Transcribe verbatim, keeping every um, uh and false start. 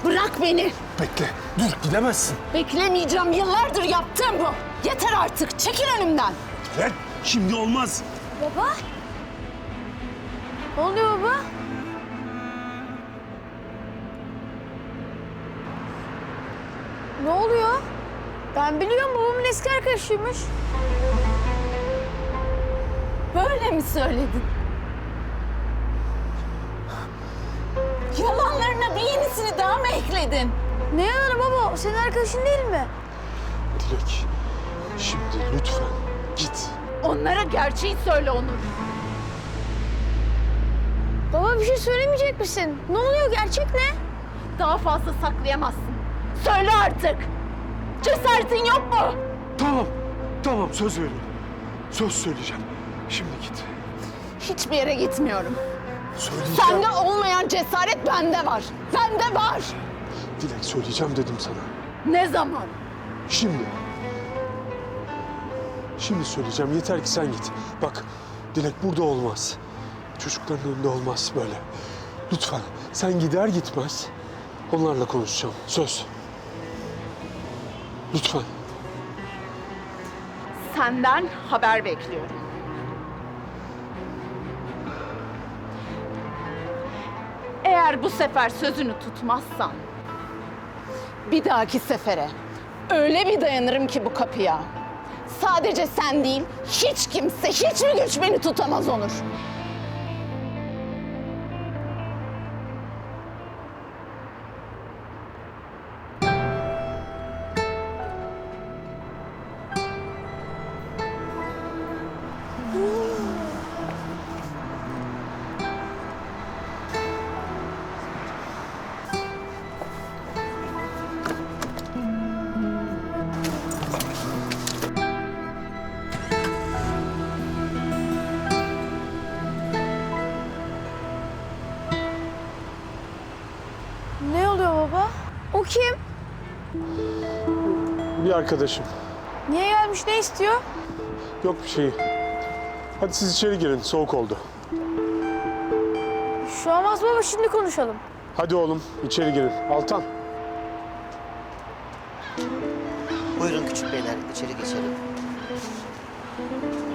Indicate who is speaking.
Speaker 1: Bırak beni.
Speaker 2: Bekle, dur gidemezsin.
Speaker 1: Beklemeyeceğim. Yıllardır yaptığım bu. Yeter artık. Çekil önümden.
Speaker 2: Dilek, şimdi olmaz.
Speaker 3: Baba? Ne oluyor baba? Ne oluyor? Ben biliyorum babamın eski arkadaşıymış.
Speaker 1: Böyle mi söyledin? Yalanlarına bir yenisini daha mı ekledin?
Speaker 3: Ne yalanı baba? O senin arkadaşın değil mi?
Speaker 2: Dilek, şimdi lütfen git.
Speaker 1: Onlara gerçeği söyle Onur.
Speaker 3: Baba bir şey söylemeyecek misin? Ne oluyor? Gerçek ne?
Speaker 1: Daha fazla saklayamazsın. Söyle artık. Cesaretin yok mu?
Speaker 2: Tamam, tamam söz veriyorum. Söz söyleyeceğim. Şimdi git.
Speaker 1: Hiçbir yere gitmiyorum.
Speaker 2: Söyleyeceğim.
Speaker 1: Sende olmayan cesaret bende var. Bende var.
Speaker 2: Dilek, söyleyeceğim dedim sana.
Speaker 1: Ne zaman?
Speaker 2: Şimdi. Şimdi söyleyeceğim. Yeter ki sen git. Bak, Dilek burada olmaz. Çocukların önünde olmaz böyle. Lütfen sen gider gitmez onlarla konuşacağım. Söz. Lütfen.
Speaker 1: Senden haber bekliyorum. Eğer bu sefer sözünü tutmazsan bir dahaki sefere öyle bir dayanırım ki bu kapıya. Sadece sen değil, hiç kimse, hiçbir güç beni tutamaz Onur.
Speaker 3: Ne oluyor baba? O kim?
Speaker 2: Bir arkadaşım.
Speaker 3: Niye gelmiş? Ne istiyor?
Speaker 2: Yok bir şey. Hadi siz içeri girin. Soğuk oldu.
Speaker 3: Şu an olmaz baba. Şimdi konuşalım.
Speaker 2: Hadi oğlum içeri girin. Altan.
Speaker 4: Buyurun küçük beyler, içeri geçelim.